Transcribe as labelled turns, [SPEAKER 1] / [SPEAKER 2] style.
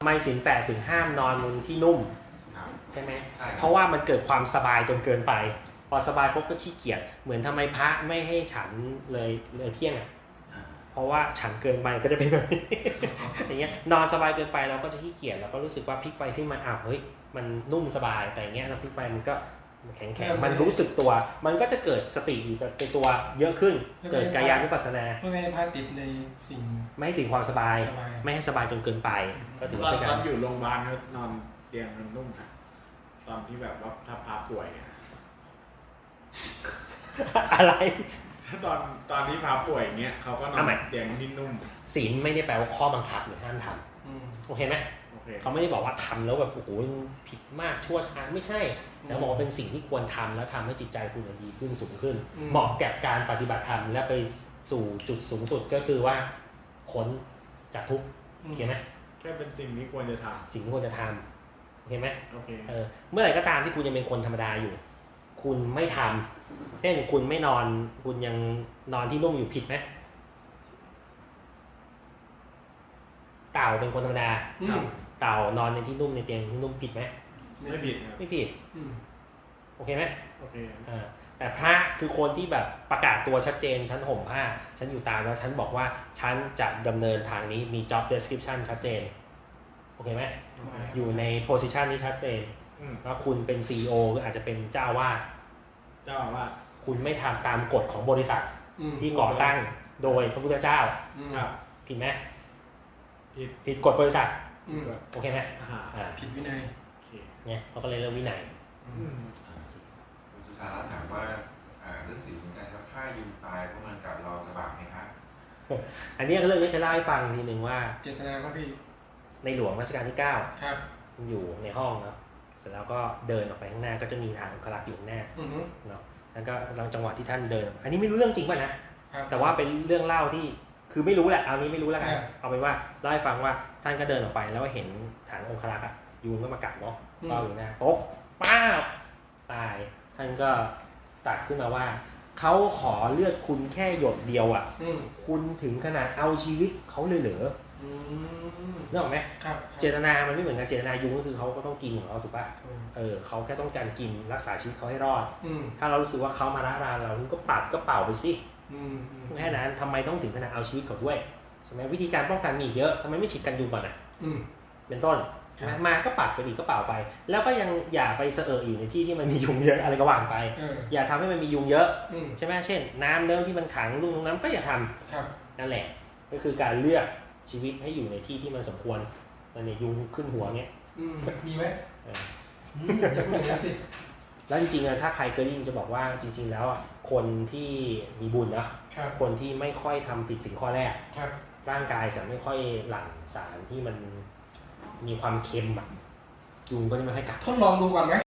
[SPEAKER 1] ทำไมศีล 8ถึงห้ามนอนบนที่นุ่มใช่ไหมเพราะว่ามันเกิดความสบายจนเกินไปพอสบายปุ๊บก็ขี้เกียจเหมือนทำไมพระไม่ให้ฉันเลยเที่ยงอ่ะเพราะว่าฉันเกินไปก็จะเป็นแบบนี้ อย่างเงี้ยนอนสบายเกินไปเราก็จะขี้เกียจเราก็รู้สึกว่าพลิกไปพลิกมาอ้าวเฮ้ยมันนุ่มสบายแต่อย่างเงี้ยเราพลิกไปมันก็แข็งมันรู้สึกตัวมันก็จะเกิดสติอยู่ในตัวเยอะขึ้นเกิดกายานุปัสสนา
[SPEAKER 2] ไม่ให้พระติดในสิ่ง
[SPEAKER 1] ไม่ให้ถึงความสบายไม่ให้สบายจนเกินไปก็ถือว่าเป็นการ
[SPEAKER 3] อยู่โรงพยาบาลก็นอนเตียงมันนุ่มนะตอนที่แบบว่าถ้าพาป่วยเนี่ย
[SPEAKER 1] อะไร
[SPEAKER 3] ตอนที่พาป่วยอย่างเงี้ยเขาก็นอนเตียงที่นุ่ม
[SPEAKER 1] ศีลไม่ได้แปลว่าข้อบังคับหรือห้ามทำโอเคไหมเขาไม่ได้บอกว่าทำแล้วแบบโอ้โหผิดมากชั่วช้าไม่ใช่แต่บอกว่าเป็นสิ่งที่ควรทำแล้วทำให้จิตใจคุณดีขึ้นสูงขึ้นเหมาะแก่การปฏิบัติธรรมและไปสู่จุดสูงสุดก็คือว่าพ้นจากทุกข์โอเคไหม
[SPEAKER 3] แค่เป็นสิ่งที่ควรจะทำ
[SPEAKER 1] สิ่งที่ควรจะทำโอเคไหม
[SPEAKER 3] โอเค
[SPEAKER 1] เมื่อไหร่ก็ตามที่คุณยังเป็นคนธรรมดาอยู่คุณไม่ทำเช่นคุณไม่นอนคุณยังนอนที่นุ่มอยู่ผิดไหมเต่าเป็นคนธรรมดาเต่านอนในที่นุ่มในเตียงที่นุ่มผิดไหม
[SPEAKER 3] ไม่ผิด
[SPEAKER 1] ไม่ผิดโอเคไหม
[SPEAKER 3] โอเค
[SPEAKER 1] แต่พระคือคนที่แบบประกาศตัวชัดเจนฉันห่มผ้าฉันอยู่ตามแล้วฉันบอกว่าฉันจะดำเนินทางนี้มี job description ชัดเจนโอเคไหมอยู่ใน position ที่ชัดเจนว่าคุณเป็น CEO หรืออาจจะเป็นเจ้าวาดคุณไม่ทำตามกฎของบริษัทที่ก่อตั้งโดยพระพุทธเจ้าผิดไหมผิดกฎบริษัทโอเคไหม
[SPEAKER 2] ผิดวินัย
[SPEAKER 1] เนี่ยเขาก็เลยเรื่องวินัย
[SPEAKER 4] คุณสุธาถามว่าเรื่องศีลเหมือนกันครับฆ่ายุงตายเพราะมันกัดเราจะบาปไหมครับ
[SPEAKER 1] อันนี้เรื่องนี้จะเล่าให้ฟังทีหนึ่งว่า
[SPEAKER 2] เจตนาครับพี่
[SPEAKER 1] ในหลวงรัชกาลที่9
[SPEAKER 2] ครับ
[SPEAKER 1] อยู่ในห้องครับเสร็จแล้วก็เดินออกไปข้างหน้าก็จะมีทางคลักอยู่ข้างหน้าเนาะแล้วก็จังหวะที่ท่านเดินอันนี้ไม่รู้เรื่องจริงป่ะนะแต่ว่าเป็นเรื่องเล่าที่คือไม่รู้แหละเอานี้ไม่รู้แล้วกันเอาเป็นว่าเล่าให้ฟังว่าท่านก็เดินออกไปแล้วก็เห็นฐานองครักษ์ยุงก็มากัดเนาะก็อยู่หน้าโต๊ะป้าตายท่านก็ตัดขึ้นมาว่าเขาขอเลือดคุณแค่หยดเดียวอ่ะคุณถึงขนาดเอาชีวิตเขาเลยเหรอนึกออกไหมเจตนามันไม่เหมือนกันเจตนายุงก็คือเขาก็ต้องกินของเขาถูกป่ะเขาแค่ต้องการกินรักษาชีวิตเขาให้รอดถ้าเรารู้สึกว่าเขามาละลานเราก็ปัดก็เป่าไปสิแค่นั้นทำไมต้องถึงขนาดเอาชีวิตเขาด้วยใช่ไหมวิธีการป้องกันมีเยอะทำไมไม่ฉีดกันยุงก่อนอ่ะเป็นต้นมาก็ปัดไปอีกก็เป่าไปแล้วก็ยังอย่าไปเสอะอยู่ในที่ที่มันมียุงเยอะอะไรก็ว่างไปอย่าทำให้มันมียุงเยอะใช่ไหมเช่นน้ำเรื่องที่มันขังลูกน้ำก็อย่าทำนั่นแหละก็คือการเลือกชีวิตให้อยู่ในที่ที่มันสมควรมันเนี่ยยุงขึ้นหัวเงี้ย
[SPEAKER 2] ดีไหมจะพูดอย่างนั้นสิ
[SPEAKER 1] แล้วจริงๆถ้าใครเคยได้ยินจะบอกว่าจริงๆแล้วคนที่มีบุญนะคนที่ไม่ค่อยทำผิดสิ่งข้อแรกร่างกายจะไม่ค่อยหลั่งสารที่มันมีความเค็มยุงก็จะไม่ค่อยกัด
[SPEAKER 2] ทดลองดูก่อนไหม